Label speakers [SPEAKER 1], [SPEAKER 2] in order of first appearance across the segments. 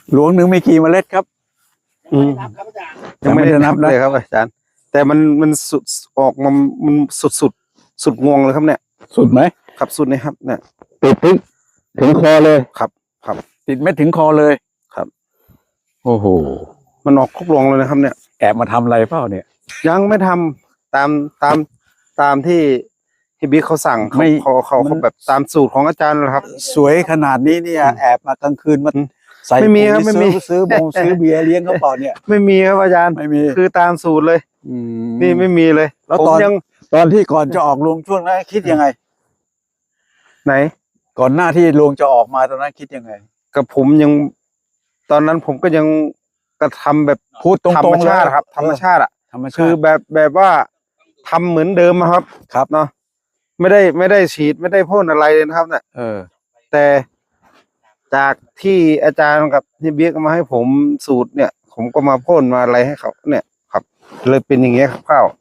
[SPEAKER 1] หลวงหนึ่งมีกี่เมล็ดครับ
[SPEAKER 2] อืมยังไม่ได้นับเลยครับอาจารย์แต่มันสุดออกมามันสุดงวงเลยครับเนี่ย
[SPEAKER 1] สุดไหม
[SPEAKER 2] ครับสุดนี่ครับเนี่ย
[SPEAKER 1] ติดถึงคอเลย
[SPEAKER 2] ครับ
[SPEAKER 1] ติดเม็ดถึงคอเลย
[SPEAKER 2] ครับ
[SPEAKER 1] โอ้โห
[SPEAKER 2] มันออกครบรวงเลยนะครับ เนี่ย
[SPEAKER 1] แอบมาทำอะไรเปล่าเนี่ย
[SPEAKER 2] ยังไม่ทำตามที่บิ๊กเขาสั่งเขาแบบตามสูตรของอาจารย์นะครับ
[SPEAKER 1] สวยขนาดนี้เนี่ยแอบมากลางคืนมาใส่
[SPEAKER 2] ไม่มีครับ
[SPEAKER 1] ปุ๋ย
[SPEAKER 2] ไม่มี
[SPEAKER 1] ซื้อเบียร์เลี้ยงเขาเปล่าเนี่ย
[SPEAKER 2] ไม่มีครับอาจารย์
[SPEAKER 1] ไม่มี
[SPEAKER 2] คือตามสูตรเลย นี่ไม่มีเลย
[SPEAKER 1] แล้ว
[SPEAKER 2] ผม
[SPEAKER 1] ตอนที่ก่อนจะออกลงช่วงนั้นคิดยังไง
[SPEAKER 2] ไหน
[SPEAKER 1] ก่อนหน้าที่ลงจะออกมาตอนนั้นคิดยังไง
[SPEAKER 2] กับผมยังตอนนั้นผมก็ยังกระทำแบบ
[SPEAKER 1] พูดตรงๆ
[SPEAKER 2] ธรรมชาติ
[SPEAKER 1] เลย
[SPEAKER 2] ครับ ธรรมชาติอ่ะ
[SPEAKER 1] ธรรมชาติ
[SPEAKER 2] คือแบบว่าทำเหมือนเดิมอะครับ
[SPEAKER 1] ครับ
[SPEAKER 2] เนาะไม่ได้ฉีดไม่ได้พ่นอะไรเลยนะครับเนี่ย แต่จากที่อาจารย์กับที่เบียกมาให้ผมสูตรเนี่ย ผมก็มาพ่นมาอะไรให้เขาเนี่ยครับ เลยเป็นอย่างเงี้ยครับข้าว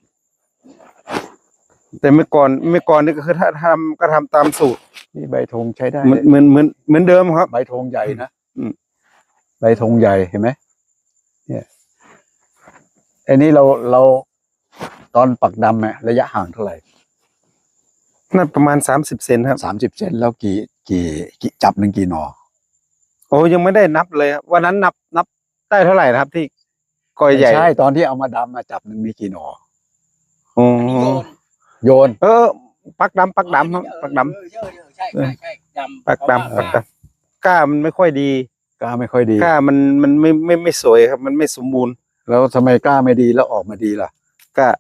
[SPEAKER 2] แต่เมื่อก่อนนี่ก็คือถ้าทำก็ทำตามสูตร
[SPEAKER 1] นี่ใบธงใช้ได้
[SPEAKER 2] เหมือนเดิมครับ
[SPEAKER 1] ใบธงใหญ่นะ
[SPEAKER 2] อืม
[SPEAKER 1] ใบธงใหญ่เห็นไหมเนี่ยอันนี้เราตอนปักดำเนี่ยระยะห่างเท่าไหร่
[SPEAKER 2] น่าประมาณ30 เซนครับ
[SPEAKER 1] 30 เซนแล้วกี่จับหนึ่งกี่หนอ
[SPEAKER 2] โอ้ยังไม่ได้นับเลยครับวันนั้นนับได้เท่าไหร่นะครับ ที่กอยใหญ่
[SPEAKER 1] ใช่ตอนที่เอามาดำมาจับหนึ่งมีกี่หนอ
[SPEAKER 2] อ๋อ
[SPEAKER 1] โยน
[SPEAKER 2] ปักดำครับปักดำ
[SPEAKER 3] ใช่ดำ
[SPEAKER 2] ปักดำก้ามันไม่ค่อยดี
[SPEAKER 1] กล้าไม่ค่อยดี
[SPEAKER 2] ก้ามันไม่สวยครับ มันไม่สมบูรณ์
[SPEAKER 1] แล้วทำไมกล้าไม่ดีแล้วออกมาดีล่ะ
[SPEAKER 2] ก้า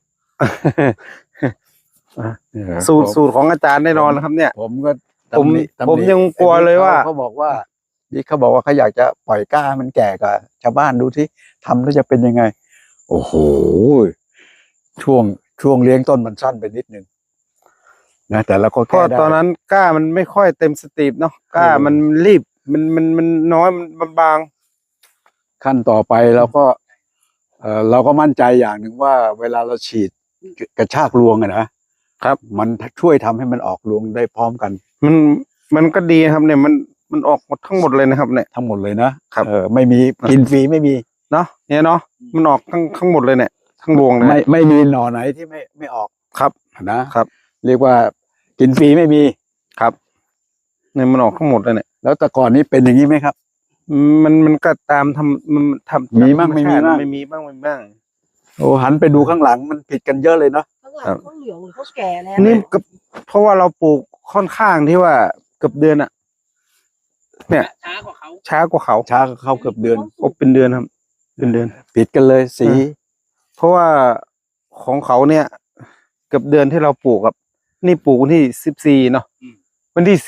[SPEAKER 1] เนี่ย
[SPEAKER 2] สูตรของอาจารย์แน่นอนนะครับ เนี่ย
[SPEAKER 1] ผมก็
[SPEAKER 2] ผม
[SPEAKER 1] ตำหนิ
[SPEAKER 2] ผมยังกลัวเลยว่า
[SPEAKER 1] เขาบอกว่านี่เขาบอกว่าเขาอยากจะปล่อยกล้ามันแก่กับชาวบ้านดูที่ทำแล้วจะเป็นยังไง โอ้โหช่วงเลี้ยงต้นมันสั้นไปนิดนึงนะแต่เราก็
[SPEAKER 2] เพราะ
[SPEAKER 1] แก้ได้
[SPEAKER 2] ตอนนั้นก้ามันไม่ค่อยเต็มสตรีมเนาะก้ามันรีบมันน้อยมันบาง
[SPEAKER 1] ขั้นต่อไปเราก็มั่นใจอย่างหนึ่งว่า เวลาเราฉีดกระชากรวงอะนะครับ มันช่วยทำให้มันออกรวงได้พร้อมกัน
[SPEAKER 2] มันก็ดีครับ เนี่ยมันออกหมดทั้งหมดเลยนะครับ เนี่ย
[SPEAKER 1] ทั้งหมดเลยนะครับไม่มีกินฟรีไม่มี
[SPEAKER 2] เนาะเนี่ยเนาะมันออกทั้งหมดเลยเนี่ยทั้งรวงเลย
[SPEAKER 1] ไม่มีหน่อไหนที่ไม่ออก
[SPEAKER 2] ครับ
[SPEAKER 1] นะครับ เรียกว่ากินฟรีไม่มี
[SPEAKER 2] ครับเนี่ยมันออกทั้งหมดเลยเนี่ย
[SPEAKER 1] แล้วแต่ก่อนนี้เป็นอย่างนี้ไหมครับ
[SPEAKER 2] มันก็ตามมันทำ
[SPEAKER 1] มีบ้างไม่มีบ้าง
[SPEAKER 2] ไม่มีบ้างไม่มีบ้าง
[SPEAKER 1] โอ้หันไปดูข้างหลังมันผิดกันเยอะเลยเนาะ
[SPEAKER 3] ข้างหลังเขาเหลืองหรือเขาแก่แล้ว
[SPEAKER 2] นี่ก็เพราะว่าเราปลูกค่อนข้างที่ว่าเกือบเดือนอะเนี่ย
[SPEAKER 3] ช้ากว่าเขา
[SPEAKER 2] ช้ากว่าเขา
[SPEAKER 1] ช้าเข้าเกือบเดือน
[SPEAKER 2] โอ้เป็นเดือนครับ เป็นเดือน
[SPEAKER 1] ผิดกันเลยสี
[SPEAKER 2] เพราะว่าของเขาเนี่ย เกือบเดือนที่เราปลูกครับ นี่ปลูกวันที่14เนาะวันที่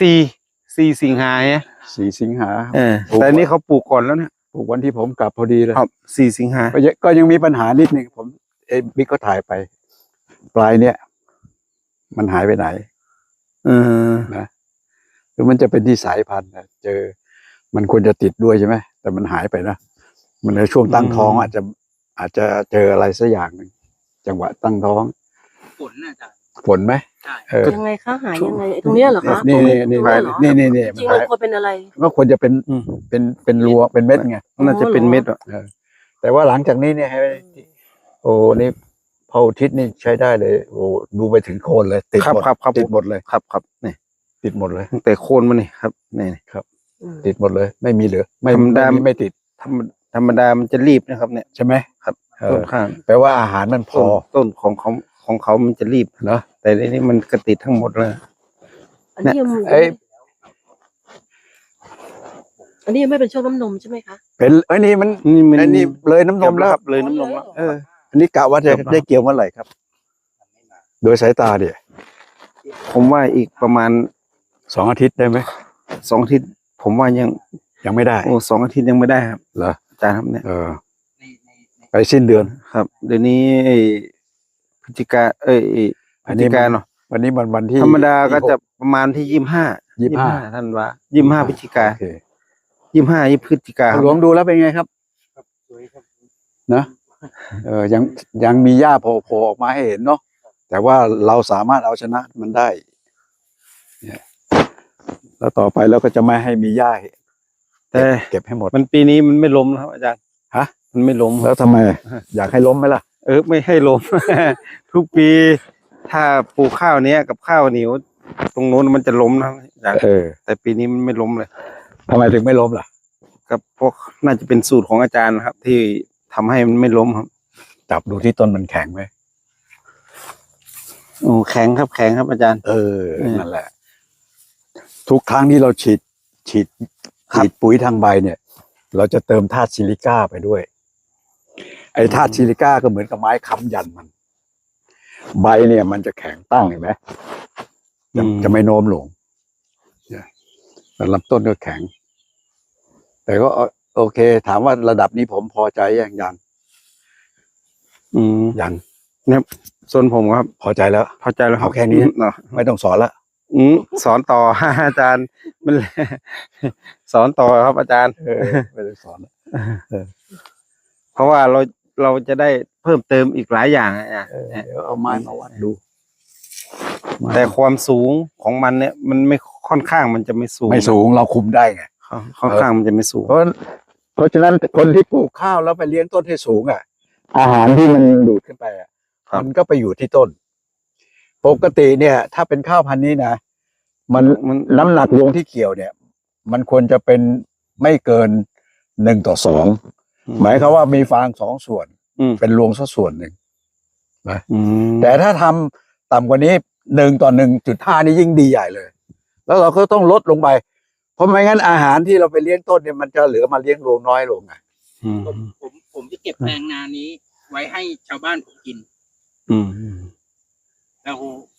[SPEAKER 2] 4 สิงหาเนี่ย
[SPEAKER 1] 4 สิงหา
[SPEAKER 2] แต่อันนี้เขาปลูกก่อนแล้วเนี่ย
[SPEAKER 1] ปลูกวันที่ผมกลับพอดีเลย
[SPEAKER 2] ครับ4 สิงหา
[SPEAKER 1] ก็ยังมีปัญหานิดนึงผมบิ๊กก็ถ่ายไป ปลายเนี่ย มันหายไปไหน นะหรือมันจะเป็นที่สายพันธุ์นะมันควรจะติดด้วยใช่ไหมแต่มันหายไปนะมันในช่วงตั้งท้องอาจจะเจออะไรสักอย่างหนึ่งจังหวะตั้งท้อง
[SPEAKER 3] ฝนน่ะจ้ะ
[SPEAKER 1] ฝนไหม
[SPEAKER 3] ใช่
[SPEAKER 4] ยังไงคะหายยังไงไอ้ตรงเนี้ยเหรอคะ
[SPEAKER 1] นี่
[SPEAKER 4] ตรง
[SPEAKER 1] นี่
[SPEAKER 4] ตรง
[SPEAKER 1] นี่
[SPEAKER 4] เยเหรอ
[SPEAKER 1] นี่
[SPEAKER 4] จริงๆมันควรเป็นอะไร
[SPEAKER 1] ก็ควรจะเป็นรัวเป็นเม็ดไง
[SPEAKER 2] น่าจะเป็นเม็ดอะ
[SPEAKER 1] แต่ว่าหลังจากนี้เนี่ยให้โอ้นี่พออุทิศนี่ใช้ได้เลย โอ้ดูไปถึงโคนเลยติด
[SPEAKER 2] ครับ
[SPEAKER 1] หมด
[SPEAKER 2] ครับครับ
[SPEAKER 1] ติดหมดเลย
[SPEAKER 2] ครับนี่
[SPEAKER 1] ติดหมดเลย
[SPEAKER 2] ตั้งแต่โคนมันนี่ครับนี่
[SPEAKER 1] ติดหมดเลย ไม่มีเหลือไม่
[SPEAKER 2] ธรรมดา
[SPEAKER 1] ไม่ติด
[SPEAKER 2] ธรรมดามันจะรีบนะครับ เนี่ย
[SPEAKER 1] ใช่ไหม
[SPEAKER 2] ครับ
[SPEAKER 1] เออ
[SPEAKER 2] ต้นข้าง
[SPEAKER 1] แปลว่าอาหารมันพอ
[SPEAKER 2] ต้นของเขามันจะรีบ
[SPEAKER 1] เนาะ
[SPEAKER 2] แต่ในนี้มันกระติดทั้งหมดเลย
[SPEAKER 4] อันนี้ยัง
[SPEAKER 1] เอ้ย
[SPEAKER 4] อันนี้ยังไม่เป็นช่วงน้ำนมใช่ไหมคะ
[SPEAKER 1] เป็นนี่มัน
[SPEAKER 2] นี่มัน
[SPEAKER 1] อันนี้เลยน้ำนมแล้ว
[SPEAKER 2] ครับเลยน้ำนมแล้ว
[SPEAKER 1] อันนี้กะว่าจะได้เกี่ยวเมื่อไหร่ครับ โดยสายตาเดี๋ย
[SPEAKER 2] ผมว่าอีกประมาณ
[SPEAKER 1] 2 อาทิตย์ได้ไหม
[SPEAKER 2] 2 อาทิตย์ ผมว่า
[SPEAKER 1] ยังไม่ได้
[SPEAKER 2] 2 อาทิตย์ยังไม่ได้ครับ
[SPEAKER 1] เหรอ
[SPEAKER 2] อาจารย์ครับเนี่ย
[SPEAKER 1] ไปสิ้นเดือน
[SPEAKER 2] ครับ เดี๋ยวนี้พฤศจิกาพฤศจิกาเนาะ
[SPEAKER 1] วันนี้วันที่
[SPEAKER 2] ธรรมดาก็จะประมาณที่25ท่านว่า25พฤศจิกา
[SPEAKER 1] โอเค
[SPEAKER 2] 25พฤศจิกาครับ
[SPEAKER 1] หลวงดูแล้วเป็นไงครับ
[SPEAKER 3] สวยครับ
[SPEAKER 1] นะยังมีหญ้าโผล่ออกมาให้เห็นเนาะแต่ว่าเราสามารถเอาชนะมันได้เนี่ยแล้วต่อไปเราก็จะไม่ให้มีหญ้า
[SPEAKER 2] แต่
[SPEAKER 1] เก็บให้หมด
[SPEAKER 2] มันปีนี้มันไม่ล้มนะครับอาจารย์
[SPEAKER 1] ฮะ
[SPEAKER 2] มันไม่ล้ม
[SPEAKER 1] แล้วทำไม อยากให้ล้มไหมล่ะ
[SPEAKER 2] ไม่ให้ล้ม ทุกปี ถ้าปลูกข้าวเนี้ยกับข้าวเหนียวตรงโน้นมันจะล้มนะครับอาจารย์ แต่ปีนี้มันไม่ล้มเลย
[SPEAKER 1] ทำไมถึงไม่ล้มล่ะ
[SPEAKER 2] กับพวกน่าจะเป็นสูตรของอาจารย์นะครับ ที่ทำให้มันไม่ล้มครับ
[SPEAKER 1] จับดูที่ต้นมันแข็งไหม
[SPEAKER 2] โอ้แข็งครับอาจารย์
[SPEAKER 1] นั่นแหละ ทุกครั้งที่เราฉีดปุ๋ยทางใบเนี่ย เราจะเติมธาตุซิลิก้าไปด้วย ไอ้ธาตุซิลิก้าก็เหมือนกับไม้ค้ำยันมัน ใบเนี่ย มันจะแข็งตั้งเห็นไหมจะไม่โน้มลงเนี่ยแต่ลำต้นก็แข็ง แต่ก็โอเค ถามว่าระดับนี้ผมพอใจยังยัง ยัง
[SPEAKER 2] เนี่ยส่วนผมครับ
[SPEAKER 1] พอใจแล้ว
[SPEAKER 2] พอใจแล้วครับ
[SPEAKER 1] เอาแค่นี้
[SPEAKER 2] เนาะ
[SPEAKER 1] ไม่ต้องสอนละ
[SPEAKER 2] สอนต่อ อาจารย์มัน สอนต่อครับอาจารย์
[SPEAKER 1] ไม่ต้องสอนละ
[SPEAKER 2] เพราะว่าเราจะได้เพิ่มเติมอีกหลายอย่างอาจารย์
[SPEAKER 1] เดี๋ยวเอาไม้มาวัดดู
[SPEAKER 2] แต่ความสูงของมันเนี่ย มันไม่ค่อนข้างมันจะไม่สูง
[SPEAKER 1] ไม่สูงเราคุมได้ไง
[SPEAKER 2] ค่อนข้างมันจะไม่สูง
[SPEAKER 1] เพราะฉะนั้นคนที่ปลูกข้าวแล้วไปเลี้ยงต้นให้สูงอ่ะ อาหารที่มันดูดขึ้นไปอ่ะ
[SPEAKER 2] ครับ
[SPEAKER 1] มันก็ไปอยู่ที่ต้น ปกติเนี่ย ถ้าเป็นข้าวพันธุ์นี้นะมันน้ำหนักรวงที่เกี่ยวเนี่ย มันควรจะเป็นไม่เกิน1:2หมายความว่ามีฟาง2 ส่วน เป็นรวงสักส่วนหนึ่ง แต่ถ้าทำต่ำกว่านี้1:1.5นี่ยิ่งดีใหญ่เลย แล้วเราก็ต้องลดลงไป เพราะไม่งั้นอาหารที่เราไปเลี้ยงต้นเนี่ยมันจะเหลือมาเลี้ยงรวงน้อยลงไง
[SPEAKER 3] ผมจะเก็บแปลงนานี้ ไว้ให้ชาวบ้านผมกิน แล้ว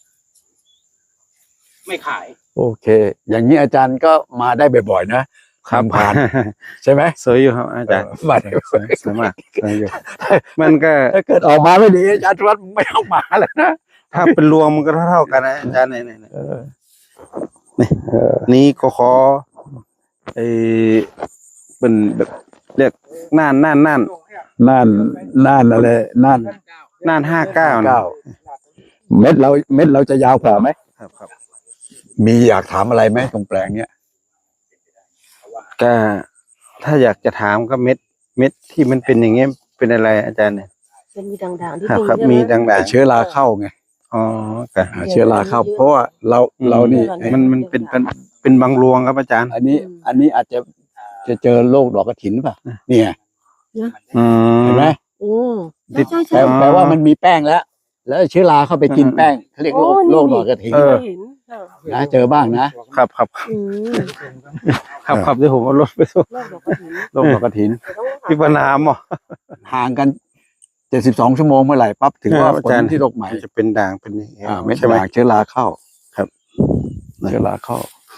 [SPEAKER 3] ไม่ขาย
[SPEAKER 1] โอเค อย่างนี้อาจารย์ก็มาได้บ่อยๆนะผ่านใช่ไหม
[SPEAKER 2] สวยอยู่ครับอาจารย์
[SPEAKER 1] มาได้
[SPEAKER 2] สวยมากสวยอยู่ มันก็
[SPEAKER 1] ถ้าเกิดออกมาไม่ดีอาจารย์วัดไม่ต้องมาแล้วนะ
[SPEAKER 2] ถ้าเป็นรวงมันก็เท่ากันนะอาจารย์เนี่ย
[SPEAKER 1] เออ
[SPEAKER 2] นี่ก็ขอเป็นแบบเรียกน่าน
[SPEAKER 1] น่านอะไรน่าน
[SPEAKER 2] 59
[SPEAKER 1] 9เม็ดเราจะยาวกว่าไหม
[SPEAKER 2] ครับ
[SPEAKER 1] มีอยากถามอะไรไหมตรงแปลงเนี้ย
[SPEAKER 2] ก็ถ้าอยากจะถามก็เม็ดที่มันเป็นอย่างเงี้ยเป็นอะไรอาจารย์เนี่ย
[SPEAKER 4] เป็นมีด่างๆที่
[SPEAKER 2] ครับ
[SPEAKER 4] ตรง
[SPEAKER 2] ครับ
[SPEAKER 4] ใช่ไห
[SPEAKER 2] มีด่าง
[SPEAKER 1] แต่เชื้อราเข้าไง
[SPEAKER 2] ๆอ๋อค่ะ
[SPEAKER 1] เชื้อราเข้า เพราะว่าเรานี่
[SPEAKER 2] มันเป็นบางรวงครับอาจารย์
[SPEAKER 1] อันนี้อาจจะเจอโรคดอกกระถินป่ะเนี่ย เห็นไหม
[SPEAKER 4] โอ้
[SPEAKER 2] ติด
[SPEAKER 4] ใช่ใช่
[SPEAKER 1] แปลว่ามันมีแป้งแล้วเชื้อราเข้าไปกินแป้งเขาเรียกโรคดอกกระถิน
[SPEAKER 4] เห็นค่ะ
[SPEAKER 1] นะเจอบ้างนะครับ
[SPEAKER 4] อืม
[SPEAKER 2] ครับที่ผมเอารถไปส่ง
[SPEAKER 4] โรคดอกกระถิ่น
[SPEAKER 1] โรคดอกกระถิน
[SPEAKER 2] ที่ปนามอ่ะ
[SPEAKER 1] ห่างกัน72 ชั่วโมงเมื่อไหร่ปั๊บถึงว่า
[SPEAKER 2] อา
[SPEAKER 1] ผล
[SPEAKER 2] จารย์
[SPEAKER 1] ที่โรคใหม่
[SPEAKER 2] จะเป็นด่างเป็นอย่างเงี้ย
[SPEAKER 1] ไม่
[SPEAKER 2] ใช่ไหม
[SPEAKER 1] ด่างเชื้อราเข้า
[SPEAKER 2] ครับ
[SPEAKER 1] เชื้อราเข้า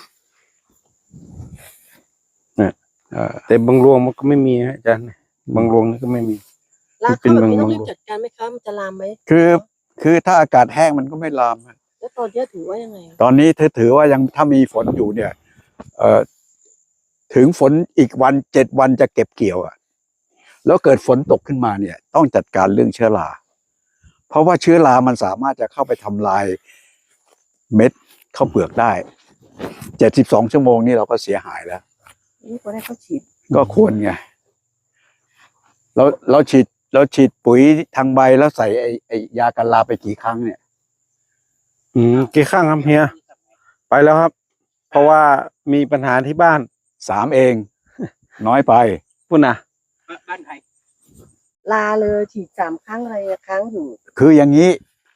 [SPEAKER 2] แต่บางรวงมันก็ไม่มีนะอาจารย์บางรวงนี่ก็ไม่มี
[SPEAKER 4] ลากเข้าแบบนี้ต้องรีบจัดการไหมคะมันจะลามไหม
[SPEAKER 1] คือถ้าอากาศแห้งมันก็ไม่ลาม
[SPEAKER 4] แล้วตอนนี้ถือว่ายังไง
[SPEAKER 1] ตอนนี้ถือว่ายังถ้ามีฝนอยู่เนี่ย ถึงฝนอีก7 วันจะเก็บเกี่ยวอ่ะ แล้วเกิดฝนตกขึ้นมาเนี่ย ต้องจัดการเรื่องเชื้อรา เพราะว่าเชื้อรามันสามารถจะเข้าไปทำลายเม็ดข้าวเปลือกได้72 ชั่วโมงนี่เราก็เสียหายแล้ว
[SPEAKER 4] นี่ก็ได้เขาฉีด
[SPEAKER 1] ก็ควรไงเราฉีดปุ๋ยทางใบแล้วใส่ไอ้ยากันราไปกี่ครั้งเนี่ย
[SPEAKER 2] กี่ข้างครับเฮียไปแล้วครับ เพราะว่ามีปัญหาที่บ้าน
[SPEAKER 1] 3 เอง น้อยไป
[SPEAKER 2] พุ่นนะ
[SPEAKER 3] บ้านใคร
[SPEAKER 4] ลาเลยฉีด3 ครั้งอะไรครั้งอยู่
[SPEAKER 1] คืออย่างนี้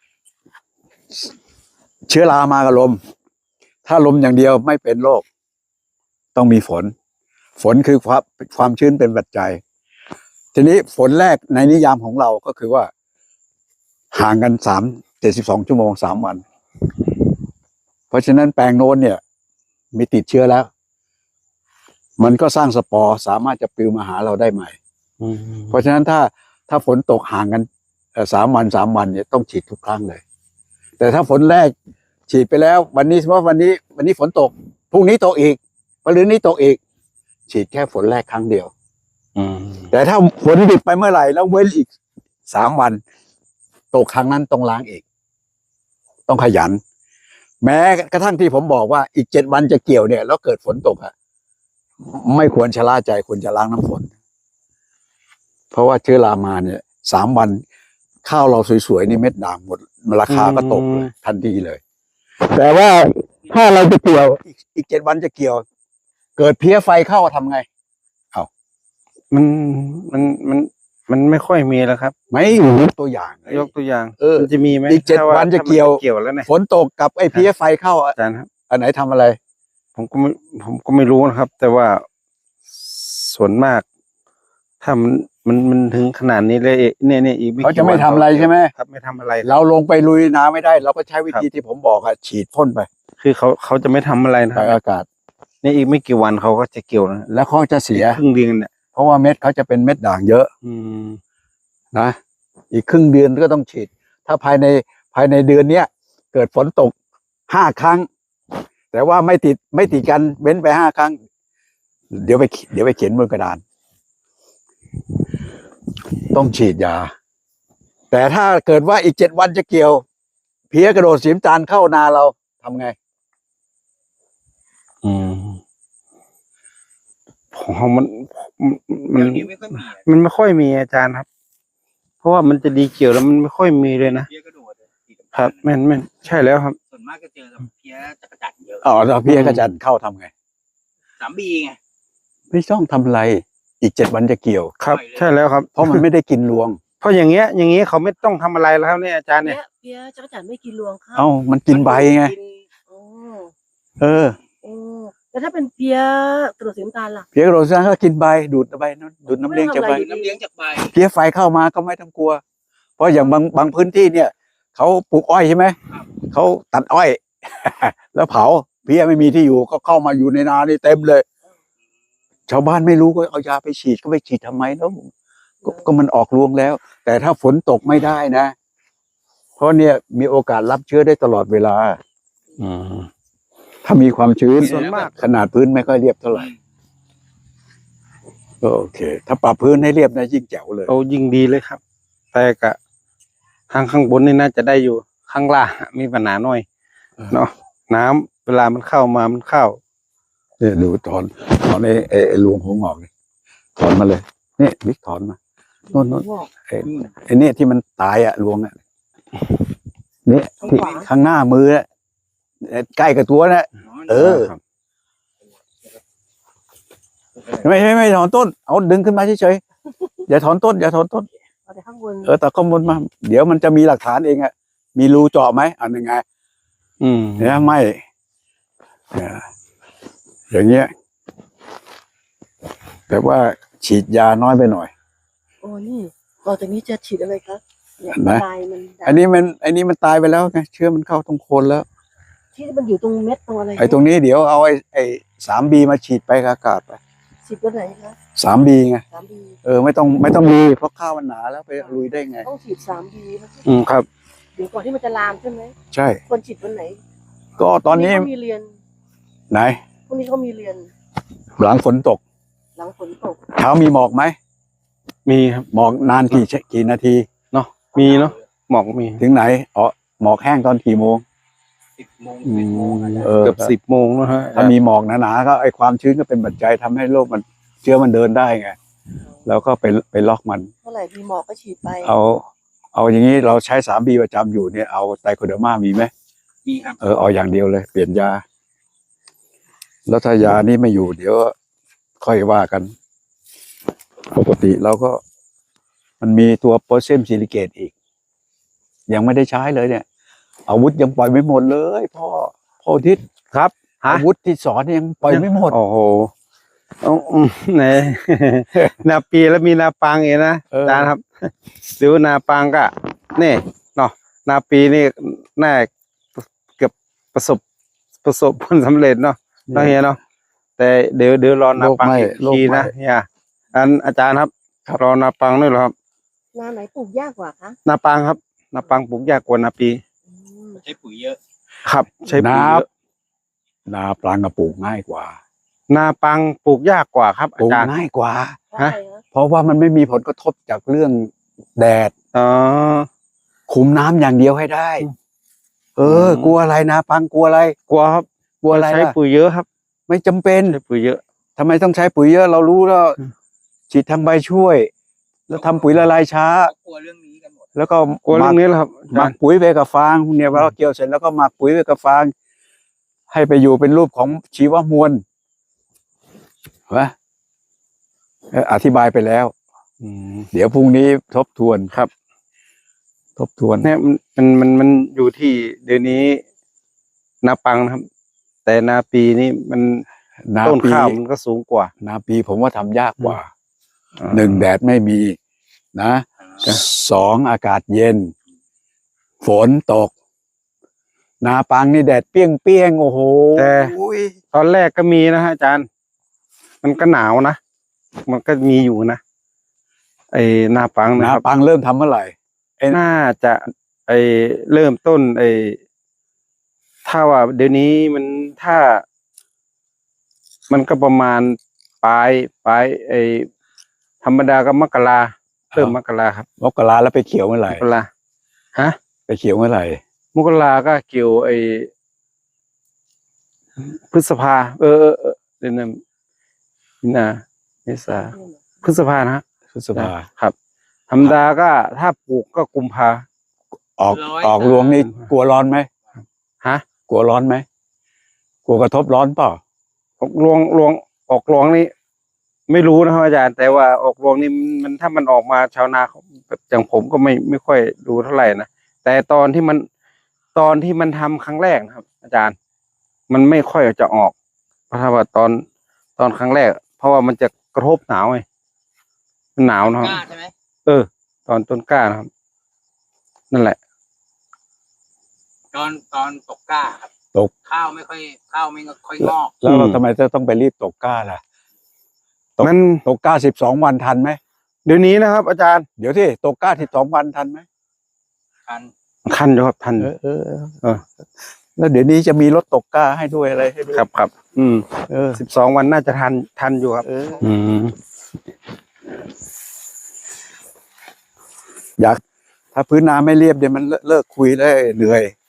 [SPEAKER 1] เชื้อรามากับลม ถ้าลมอย่างเดียวไม่เป็นโรคต้องมีฝน ฝนคือความชื้นเป็นปัจจัย ทีนี้ฝนแรกในนิยามของเราก็คือว่า ห่างกัน72 ชั่วโมง 3 วัน เพราะฉะนั้นแปลงโน้นเนี่ยมีติดเชื้อแล้ว มันก็สร้างสปอร์สามารถจะปลิวมาหาเราได้ใหม่ เพราะฉะนั้นถ้าฝนตกห่างกัน3 วันเนี่ยต้องฉีดทุกครั้งเลย แต่ถ้าฝนแรกฉีดไปแล้ว วันนี้สมมติว่าวันนี้ฝนตกพรุ่งนี้ตกอีกมะรืนนี้ตกอีก ฉีดแค่ฝนแรกครั้งเดียว แต่ถ้าฝนหยุดไปเมื่อไหร่แล้วเว้นอีก3 วันตกครั้งนั้นต้องล้างอีก ต้องขยัน แม้กระทั่งที่ผมบอกว่าอีก7 วันจะเกี่ยวเนี่ยแล้วเกิดฝนตกอ่ะไม่ควรชะล่าใจควรจะล้างน้ำฝน เพราะว่าเชื้อรามาเนี่ย3 วันข้าวเราสวยๆนี่เม็ดด่างหมดราคาก็ตกเลยทันทีเลย แต่ว่าถ้าเราจะเกี่ยวอีก7 วันจะเกี่ยว เกิดเพี้ยไฟเข้าทำไง
[SPEAKER 2] มันมันมันมันไม่ค่อยมีแล้วครับ
[SPEAKER 1] ไม่ยกตัวอย่าง
[SPEAKER 2] ยกตัวอย่าง
[SPEAKER 1] มัน
[SPEAKER 2] จะมีไหม
[SPEAKER 1] อีก7 วันจะเกี่ยว
[SPEAKER 2] เกี่ยวแล้วเนี่ย
[SPEAKER 1] ฝนตกกับไอ้เพี้ยไฟเข้า
[SPEAKER 2] อาจารย์ครับ
[SPEAKER 1] อันไหนทำอะไร
[SPEAKER 2] ผมก็ไม่รู้นะครับ แต่ว่าส่วนมาก ถ้ามันถึงขนาดนี้เลยเนี่ยอีก
[SPEAKER 1] เขาจะไม่ทำอะไรใช่ไหม
[SPEAKER 2] ครับไม่ทำอะไร
[SPEAKER 1] เราลงไปลุยน้ำไม่ได้ เราก็ใช้วิธีที่ผมบอกอะฉีดพ่นไป
[SPEAKER 2] คือเขาจะไม่ทำอะไรนะค
[SPEAKER 1] ไป
[SPEAKER 2] รับ
[SPEAKER 1] อากาศ
[SPEAKER 2] เนี่ยอีกไม่กี่วันเขาก็จะเกี่ยวนะ
[SPEAKER 1] แล้วเขาจะเสีย
[SPEAKER 2] ครึ่งเดือนเนี่ย
[SPEAKER 1] เพราะว่าเม็ดเขาจะเป็นเม็ดด่างเยอะ
[SPEAKER 2] อืม
[SPEAKER 1] นะอีกครึ่งเดือนก็ต้องฉีด ถ้าภายในเดือนเนี้ยเกิดฝนตก5 ครั้ง แต่ว่าไม่ติดกันเว้นไป5 ครั้ง เดี๋ยวไปเขียนบนกระดาน ต้องฉีดยา แต่ถ้าเกิดว่าอีก7 วันจะเกี่ยว เพี้ยกระโดดสีน้ำตาลเข้านาเราทำไง
[SPEAKER 2] อืมของมัน
[SPEAKER 3] เดี๋ยวนี้ไม่ค่อยมีอะ
[SPEAKER 2] มันไม่ค่อยมีอาจารย์ครับ เพราะว่ามันจะดีเกี่ยวแล้วมันไม่ค่อยมีเลยนะ
[SPEAKER 3] เพี้ยกระโดดอะสีดำๆ
[SPEAKER 2] ครับแม่นใช่แล้วครับ
[SPEAKER 3] ส่วนมากก็เจอกับเพี้ยจักรจั่นเยอะ
[SPEAKER 1] อ๋อแล้วเพี้ยกระจันเข้าทำไง
[SPEAKER 3] 3B ไง
[SPEAKER 1] ไม่ต้องทำอะไร อีก7 วันจะเกี่ยว
[SPEAKER 2] ครับ
[SPEAKER 3] ปล่อยเลย
[SPEAKER 2] ใช่แล้วครับ
[SPEAKER 1] เพราะมันไม่ได้กินรวง
[SPEAKER 2] เพราะอย่างเงี้ยเขาไม่ต้องทำอะไรแล้วครับเนี่ยอาจารย์เนี่ย
[SPEAKER 4] เพี้ยจักรจั่นไม่กินรวงข้าว
[SPEAKER 1] เอ้ามันกินใบไง
[SPEAKER 4] โอ้
[SPEAKER 1] เออ
[SPEAKER 4] โอ้แล้วถ้าเป็นเพี้ยกระโดดสีน้ำตาลล่ะ
[SPEAKER 1] เพี้ยกระโดดสีน้ำตาลก็กินใบดูดใบดูดน้ำเลี้ยงจากใบ
[SPEAKER 4] ไม่
[SPEAKER 3] น้ำเลี้ยงจากใบ
[SPEAKER 1] เพี้ยไฟเข้ามาก็ไม่ต้องกลัว เพราะอย่างบางพื้นที่เนี่ยเขาปลูกอ้อยใช่ไหมเขาตัดอ้อย แล้วเผาเพี้ยไม่มีที่อยู่ก็เข้ามาอยู่ในนานี่เต็มเลย ชาวบ้านไม่รู้ก็เอายาไปฉีดก็ไปฉีดทำไมแล้วก็มันออกรวงแล้ว แต่ถ้าฝนตกไม่ได้นะ เพราะเนี่ยมีโอกาสรับเชื้อได้ตลอดเวลา
[SPEAKER 2] อืม
[SPEAKER 1] ถ้ามีความชื้น
[SPEAKER 2] ส่วนมาก
[SPEAKER 1] ขนาดพื้นไม่ค่อยเรียบเท่าไหร่ก็โอเค ถ้าปรับพื้นให้เรียบนะยิ่งแจ๋วเลย
[SPEAKER 2] เอายิ่งดีเลยครับ แต่กะข้างบนนี่น่าจะได้อยู่ข้างล่างมีปัญหาหน่อยเนาะน้ำเวลามันเข้ามามันเข้า
[SPEAKER 1] เนี่ยดูถอนไอ้รวงหัวงอกนี่ถอนมาเลยนี่วิกถอนมาโน่น
[SPEAKER 4] งอก
[SPEAKER 1] ไอ้เนี่ยที่มันตายอะรวงอะเนี่ยที่ข้างหน้ามืออะใกล้กับตัวนะ เออ
[SPEAKER 2] ครับ
[SPEAKER 1] ไม่ถอนต้นเอาดึงขึ้นมาเฉยๆอย่าถอนต้น
[SPEAKER 4] เอาแต่ข้างบน
[SPEAKER 1] แต่ข้างบนมา เดี๋ยวมันจะมีหลักฐานเองอะมีรูเจาะไหมอันยังไง
[SPEAKER 2] อืม
[SPEAKER 1] เนี่ยไม่เนี่ยอย่างเงี้ยแต่ว่าฉีดยาน้อยไปหน่อย
[SPEAKER 4] โอ้นี่ต่อจากนี้จะฉีดอะไรครับเนี่ย
[SPEAKER 1] เห็นไหม
[SPEAKER 4] ลายมัน
[SPEAKER 1] อันนี้มันตายไปแล้วไงเชื้อมันเข้าตรงโคนแล้ว
[SPEAKER 4] ที่มันอยู่ตรงเม็ดตรงอะไร
[SPEAKER 1] ไอ้ตรงนี้เดี๋ยวเอาไอ้3B มาฉีดไปกับอากาศไป
[SPEAKER 4] ฉีดตัวไหนคะ
[SPEAKER 1] 3B ไง
[SPEAKER 4] 3B
[SPEAKER 1] ไม่ต้องลุยเพราะข้าวมันหนาแล้วไปลุยได้ไง
[SPEAKER 4] ต้องฉีด 3B นะ
[SPEAKER 2] อืมครับ
[SPEAKER 4] เดี๋ยวก่อนที่มันจะลามใช่ไหม
[SPEAKER 1] ใช่
[SPEAKER 4] ควรฉีดวันไหน
[SPEAKER 1] ก็ตอนนี้
[SPEAKER 4] เขามีเรียน
[SPEAKER 1] ไหน
[SPEAKER 4] พรุ่งนี้เขามีเรียน
[SPEAKER 1] หลังฝนตก
[SPEAKER 4] หลังฝนตก
[SPEAKER 1] เช้ามีหมอกไหม
[SPEAKER 2] มีครับ
[SPEAKER 1] หมอกนานกี่นาที
[SPEAKER 2] เนาะมีเนาะหมอกมี
[SPEAKER 1] ถึงไหนอ๋อหมอกแห้งตอนกี่โมง
[SPEAKER 3] 10 โมง 11 โมงอาจจะ
[SPEAKER 2] เกือบ10 โมงแล้วฮะ
[SPEAKER 1] ถ้ามีหมอกหนาๆก็ไอ้ความชื้นก็เป็นปัจจัยทำให้โรคมันเชื้อมันเดินได้ไงแล้วก็ไปล็อกมัน
[SPEAKER 4] เท่าไหร่มีหมอกก็ฉีดไป
[SPEAKER 1] เอาอย่างนี้เราใช้3B ประจำอยู่เนี่ยเอาไตรโคเดอร์มามีไหม
[SPEAKER 3] มีครับ
[SPEAKER 1] เอาอย่างเดียวเลย เปลี่ยนยา แล้วถ้ายานี่ไม่อยู่เดี๋ยวค่อยว่ากัน ปกติเราก็มันมีตัวโพแทสเซียมซิลิเกตอีก ยังไม่ได้ใช้เลยเนี่ย อาวุธยังปล่อยไม่หมดเลยพ่อทิศ
[SPEAKER 2] ครับฮะ
[SPEAKER 1] อาวุธที่สอนยังปล่อยไม่หมด
[SPEAKER 2] โอ้โหเอาไหน นาปีแล้วมีนาปังเองนะ
[SPEAKER 1] เออ
[SPEAKER 2] อาจารย์ครับหรือว่านาปังก็นี่เนาะนาปีนี่น่าเกือบประสบผลสำเร็จเนาะเนาะเฮียเนาะแต่เดี๋ยวรอนาปังอีกทีนะเฮียอาจารย์ครับรอนาปังด้วยเหรอครับ
[SPEAKER 4] หน้าไหนปลูกยากกว่าคะ
[SPEAKER 2] นาปังครับนาปังปลูกยากกว่านาปี
[SPEAKER 4] อืม
[SPEAKER 3] ใช้ปุ๋ยเยอะ
[SPEAKER 2] ครับใช้ปุ๋ย
[SPEAKER 1] นา
[SPEAKER 2] เยอะ
[SPEAKER 1] นาปลางกระปลูกง่ายกว่า
[SPEAKER 2] นาปังปลูกยากกว่าครับ
[SPEAKER 1] ปลู
[SPEAKER 2] อาก จารย์
[SPEAKER 1] ง่ายกว่า
[SPEAKER 4] ใช่ฮะ
[SPEAKER 1] เพราะว่ามันไม่มีผลกระทบจากเรื่องแดด
[SPEAKER 2] อ๋อ
[SPEAKER 1] คุมน้ำอย่างเดียวให้ได้ กลัวอะไรนาปังกลัวอะไร
[SPEAKER 2] กลัวครับ
[SPEAKER 1] กลัวอะไร
[SPEAKER 2] ใช้
[SPEAKER 1] ล่ะ
[SPEAKER 2] ปุ๋ยเยอะครับ
[SPEAKER 1] ไม่จำเป็น
[SPEAKER 2] ใช้ปุ๋ยเยอะ
[SPEAKER 1] ทำไมต้องใช้ปุ๋ยเยอะเรารู้แล้วฉีดทางใบช่วย แล้วทำปุ๋ยละลายช้า
[SPEAKER 3] เขากลัวเรื่องนี้กันหมด
[SPEAKER 1] แล้วก็
[SPEAKER 2] กลัวเรื่องนี้แหละครับ
[SPEAKER 1] หมักปุ๋ยไปกับฟางเนี่ยเราเกี่ยวเสร็จแล้วก็หมักปุ๋ยไปกับฟาง ให้ไปอยู่เป็นรูปของชีวมวลวะอธิบายไปแล้ว
[SPEAKER 2] อืม
[SPEAKER 1] เดี๋ยวพรุ่งนี้ทบทวน
[SPEAKER 2] ครับ
[SPEAKER 1] ทบทวน
[SPEAKER 2] เนี่ยมันอยู่ที่เดี๋ยวนี้นาปังนะครับ แต่นาปีนี่มัน
[SPEAKER 1] นา
[SPEAKER 2] ต้น
[SPEAKER 1] ปี
[SPEAKER 2] ข้าวมันก็สูงกว่า
[SPEAKER 1] นาปีผมว่าทำยากกว่า
[SPEAKER 2] อ่า
[SPEAKER 1] หนึ่งแดดไม่มีนะสองอากาศเย็น ฝนตก นาปังนี่แดดเปรี้ยงโอ้โห
[SPEAKER 2] แต่ ตอนแรกก็มีนะฮะอาจารย์ มันก็หนาวนะ มันก็มีอยู่นะ ไอ้นาปังนะ
[SPEAKER 1] นา
[SPEAKER 2] ครับ
[SPEAKER 1] ปังเริ่มทำเมื่อไหร่
[SPEAKER 2] น่าจะเริ่มต้นถ้าว่าเดี๋ยวนี้มันถ้า มันก็ประมาณปลายธรรมดาก็มกราเริ่มมกราครับ
[SPEAKER 1] มกราแล้วไปเขียวเมื่อไหร่
[SPEAKER 2] มกราฮะ
[SPEAKER 1] ไปเขียวเมื่อไหร่
[SPEAKER 2] มกราก็เกี่ยวพฤษภาเดือนมีนาเมษาพฤษภานะฮะ
[SPEAKER 1] พฤษภา
[SPEAKER 2] ครับ ธรรมดาก็ถ้าปลูกก็กุมภา
[SPEAKER 1] ออกรวงนี่กลัวร้อนไหม
[SPEAKER 2] ฮะ
[SPEAKER 1] กลัวร้อนไหมกลัวกระทบร้อนเปล่า
[SPEAKER 2] ออกรวงนี่ไม่รู้นะครับอาจารย์ แต่ว่าออกรวงนี่มันถ้ามันออกมาชาวนาเขาอย่างผมก็ไม่ค่อยดูเท่าไหร่นะแต่ตอนที่มันทำครั้งแรกนะครับ อาจารย์ มันไม่ค่อยจะออกเพราะว่าตอนครั้งแรก เพราะว่ามันจะกระทบหนาวไงมันหนาวนะครับ
[SPEAKER 3] กล้าใช่ไหม
[SPEAKER 2] ตอนต้นกล้านะครับ นั่นแหละ
[SPEAKER 3] ตอนตกกล้าครับ
[SPEAKER 1] ตก
[SPEAKER 3] ข้าวไม่ค่อยงอก
[SPEAKER 1] แล้วเราทำไมต้องไปรีบตกกล้าล่ะ ตก
[SPEAKER 2] มัน
[SPEAKER 1] ตกกล้า12 วันทันไหม
[SPEAKER 2] เดี๋ยวนี้นะครับ อาจารย์
[SPEAKER 1] เดี๋ยวที่ตกกล้า12 วันทันไหม
[SPEAKER 3] กัน
[SPEAKER 2] คันอยู่ครับทัน
[SPEAKER 1] เออ แล้วเดี๋ยวนี้จะมีรถตกกล้าให้ด้วยอะไรให้ด้วย
[SPEAKER 2] ครับ 12 วันน่าจะทันอยู่ครับ
[SPEAKER 1] อยากถ้าพื้นนาไม่เรียบเดี๋ยวมันเลิกคุยได้เหนื่อย